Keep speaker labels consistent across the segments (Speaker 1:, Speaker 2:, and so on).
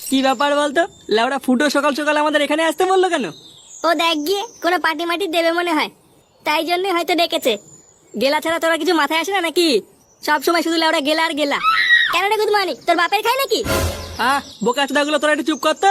Speaker 1: কি ব্যাপার বলতো? লেওড়া ফুটো সকাল সকাল আমাদের এখানে আসতে বললো কেন?
Speaker 2: ও দেখ গিয়ে কোনো পার্টি মাটি দেবে মনে হয়, তাই জন্যই হয়তো ডেকেছে। গেলা ছাড়া তোরা কিছু মাথায় আসে না নাকি? সব সময় শুধু লেওড়া গেলা আর গেলা। কেন রে গুদমানি, তোর বাপের খাই নাকি?
Speaker 1: বোকা চোদাগুলো তোরা একটু চুপ করতো।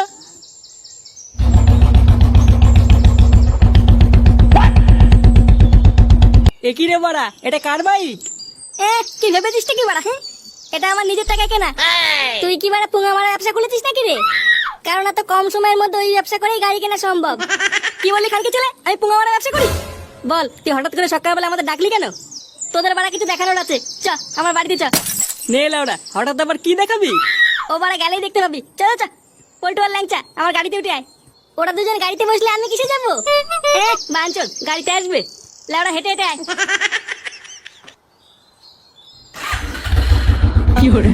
Speaker 1: একই রে বাড়া, এটা কার বাইক?
Speaker 2: কি ভেবেছিস কি বাড়া? হ্যাঁ, এটা আমার নিজের টাকায় কেনা। তুই কি বাড়া পুঙ্গা মারা ব্যবসা খুলেছিস নাকি রে? কারণ এত কম সময়ের মধ্যে ওই ব্যবসা করেই গাড়ি কেনা সম্ভব। কি বললি খানকে ছেলে, আমি পুঙ্গা মারা ব্যবসা করি? বল, তুই হঠাৎ করে সকালবেলা আমাদের ডাকলি কেন? তোদের বাড়া কিছু দেখানোর আছে, চ আমার বাড়িতে চ।
Speaker 1: নে লেওড়া, হঠাৎ আবার কি দেখাবি?
Speaker 2: ও বাড়া গেলেই দেখতে পাবি, চলো চ। পল্টু আর ল্যাংচা আমার গাড়িতে উঠে আয়। ওরা দুজন গাড়িতে বসলে আমি কিসে যাবো? বাঞ্চল গাড়িতে আসবে, লেওড়া হেঁটে হেঁটে আয়।
Speaker 1: কি করে?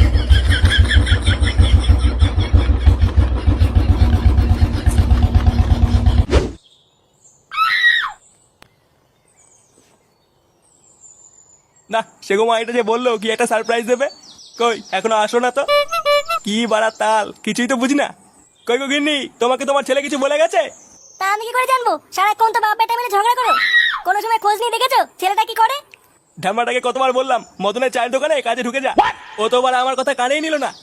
Speaker 3: না সেগো মা এটা যে বললো কি একটা সারপ্রাইজ দেবে, কই এখনো আসো না তো? কি বাড়া তাল, কিছুই তো বুঝি না। কই গো গিন্নি, তোমাকে তোমার ছেলে কিছু বলে গেছে?
Speaker 2: তা আমি কি করে জানবো? সারাক্ষণ তো বাপ বেটা মিলে ঝগড়া করো, কোনো সময় খোঁজ নিয়ে দেখেছো ছেলেটা কি করে?
Speaker 3: ঢামড়াটাকে কতবার বললাম মদনের চায়ের দোকানে কাজে ঢুকে যা, ও তো আবার আমার কথা কানেই নিল না।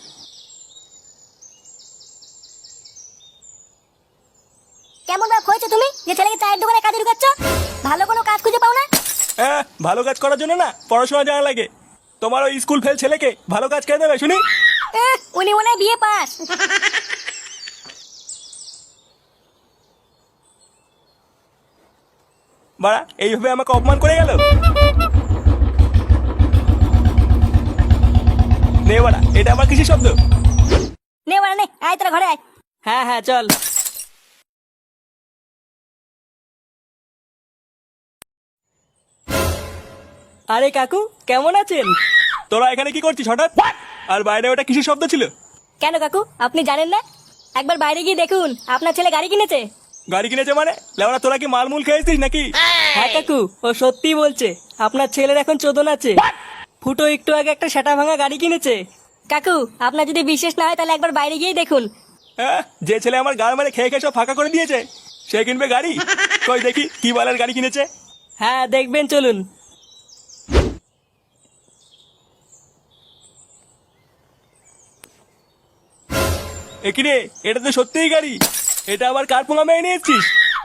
Speaker 2: কেমন বাপ হয়েছে তুমি যে ছেলেকে চায়ের দোকানে কাজে ঢুকাচ্ছ? ভালো কোনো কাজ খুঁজে পাও না?
Speaker 3: হ্যাঁ, ভালো কাজ করার জন্য না পড়াশোনা জানা লাগে। তোমার ওই স্কুল ফেল ছেলেকে ভালো কাজ কে দেবে শুনি?
Speaker 2: উনি মনে হয় বিয়ে পাস।
Speaker 3: বাড়া এইভাবে আমাকে অপমান করে গেল। নে বাড়া, এটা আবার কিসের শব্দ?
Speaker 2: নে বাড়া নে, আয় তোরা ঘরে আয়।
Speaker 1: হ্যাঁ হ্যাঁ চল। আরে কাকু, কেমন আছেন?
Speaker 3: তোরা এখানে কি করছিস হঠাৎ? আর বাইরে ওটা কিসের শব্দ ছিল?
Speaker 2: কেন কাকু, আপনি জানেন না? একবার বাইরে গিয়ে দেখুন, আপনার ছেলে গাড়ি কিনেছে।
Speaker 3: গাড়ি কিনেছে মানে? লেওড়া তোরা কি মালমূল খেয়েছিস নাকি?
Speaker 1: হ্যাঁ কাকু, ও সত্যি বলছে। আপনার ছেলের এখন চোদন আছে। ফুটো একটু আগে একটা সেটা ভাঙা গাড়ি কিনেছে।
Speaker 2: কাকু, আপনার যদি বিশ্বাস না হয় তাহলে একবার বাইরে গিয়েই দেখুন।
Speaker 3: হ্যাঁ, যে ছেলে আমার গাড় মানে খেয়ে খেয়ে সব ফাঁকা করে দিয়েছে সে কিনবে গাড়ি? কই দেখি কি বালের গাড়ি কিনেছে।
Speaker 1: হ্যাঁ দেখবেন, চলুন।
Speaker 3: একই রে, এটা তো সত্যিই গাড়ি। এটা আবার কার পোঙা মেয়ে নিয়ে এসছিস?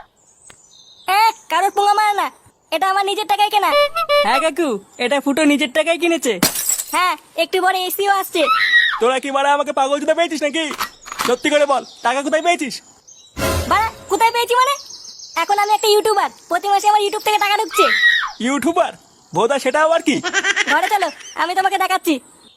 Speaker 2: কারোর পুঙ্গা মারা না, এটা আমার নিজের টাকায় কেনা।
Speaker 1: হ্যাঁ কাকু, এটা ফুটো নিজের টাকায় কিনেছে।
Speaker 2: হ্যাঁ, একটু পরে এসিও আসছে।
Speaker 3: তোরা কি বাড়া আমাকে পাগল জুতা পেয়েছিস নাকি? সত্যি করে বল, টাকা কোথায় পেয়েছিস?
Speaker 2: বাড়া কোথায় পেয়েছি মানে? এখন আমি একটা ইউটিউবার, প্রতি মাসে আমার ইউটিউব থেকে টাকা ঢুকছে।
Speaker 3: ইউটিউবার? ভোদা সেটা আবার কি?
Speaker 2: ঘরে চলো, আমি তোমাকে দেখাচ্ছি।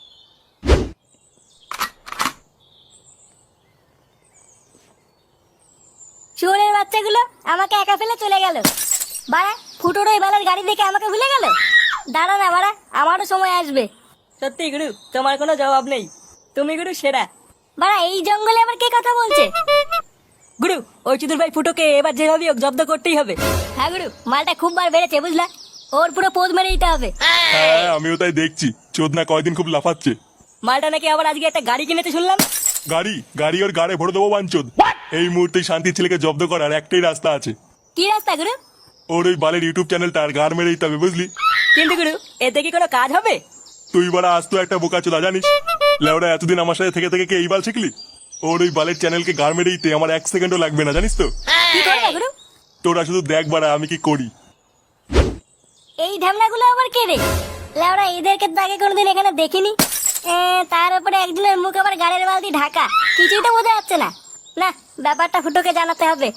Speaker 2: শুয়োরের বাচ্চাগুলো আমাকে একা ফেলে চলে গেল। বাড়া ফুটোর ওই বেলার গাড়ি দেখে আমাকে ভুলে গেল। দাঁড়া না বাড়া, আমারও সময় আসবে।
Speaker 1: সত্যি গুরু, তোমার কোনো জবাব নেই। তুমি গুরু সেরা।
Speaker 2: বাড়া এই জঙ্গলে আবার কে কথা বলছে?
Speaker 1: গুরু, ওই চুদুর ভাই ফুটোকে এবার যেভাবে হোক জব্দ করতেই হবে।
Speaker 2: হ্যাঁ গুরু, মালটা খুব বার বেড়েছে বুঝলা, ওর পুরো পোজ মেরে দিতে হবে।
Speaker 3: হ্যাঁ, আমিও তাই দেখছি। চোদনা কয়দিন খুব লাফাচ্ছে।
Speaker 1: মালটা নাকি আবার আজকে একটা গাড়ি কিনেছে শুনলাম।
Speaker 3: গাড়ি ওর গাড়ে ভরে দেবো বাঞ্চোদ। এই মুহূর্তে শান্তির ছেলেকে জব্দ করার একটাই রাস্তা আছে।
Speaker 2: কি রাস্তা গুরু?
Speaker 3: ওর ওই বালের ইউটিউব চ্যানেলটা আর গাড় মেরে দিতে হবে, বুঝলি?
Speaker 1: কিন্তু গুরু, এতে কি কোনো কাজ হবে?
Speaker 3: তুই বাড়া আজ তো একটা বোকা চোদা জানিস। লেওড়া এতদিন আমার সাথে থেকে থেকে কি এই বাল শিখলি? ওর ওই বালের চ্যানেলকে গাড় মেরে দিতে আমার 1 সেকেন্ডও লাগবে না, জানিস তো?
Speaker 2: কি করবে গুরু?
Speaker 3: তোরা শুধু দেখ বাড়া আমি কি করি।
Speaker 2: এই ঢামনাগুলো আবার কে রে? লেওরা এদেরকে তো আগে কোনোদিন এখানে দেখিনি। তার উপরে একজনের মুখ আবার গাড়ির বালতি ঢাকা, কিছুই তো বোঝা যাচ্ছে না। না, ব্যাপারটা ফুটোকে জানাতে হবে।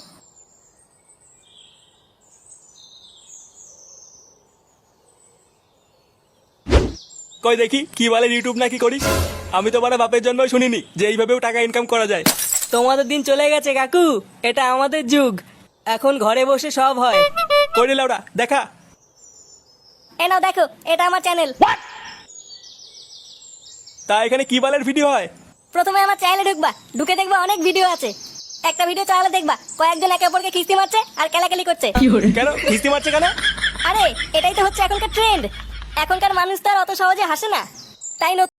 Speaker 3: কই দেখি কি বালের ইউটিউব নাকি করিস? আমি তো বাড়া বাপের জন্যই শুনিনি যে এইভাবেও টাকা ইনকাম করা যায়।
Speaker 1: তোমাদের দিন চলে গেছে কাকু, এটা আমাদের যুগ। এখন ঘরে বসে সব হয়।
Speaker 3: করি লাউডা দেখা।
Speaker 2: এ নাও দেখো, এটা আমার চ্যানেল।
Speaker 3: তা এখানে কি বালের ভিডিও হয়?
Speaker 2: প্রথমে আমার চ্যানেলে ঢুকবা, ঢুকে দেখবা অনেক ভিডিও আছে। একটা ভিডিও চালালে দেখবা কয়েকজন একে অপরকে খিস্তি মারছে আর কেলাকেলি করছে।
Speaker 3: কেন কিস্তি মারছে কেন?
Speaker 2: আরে এটাই তো হচ্ছে এখনকার ট্রেন্ড। এখনকার মানুষ তো আর অত সহজে হাসে না, তাই নতুন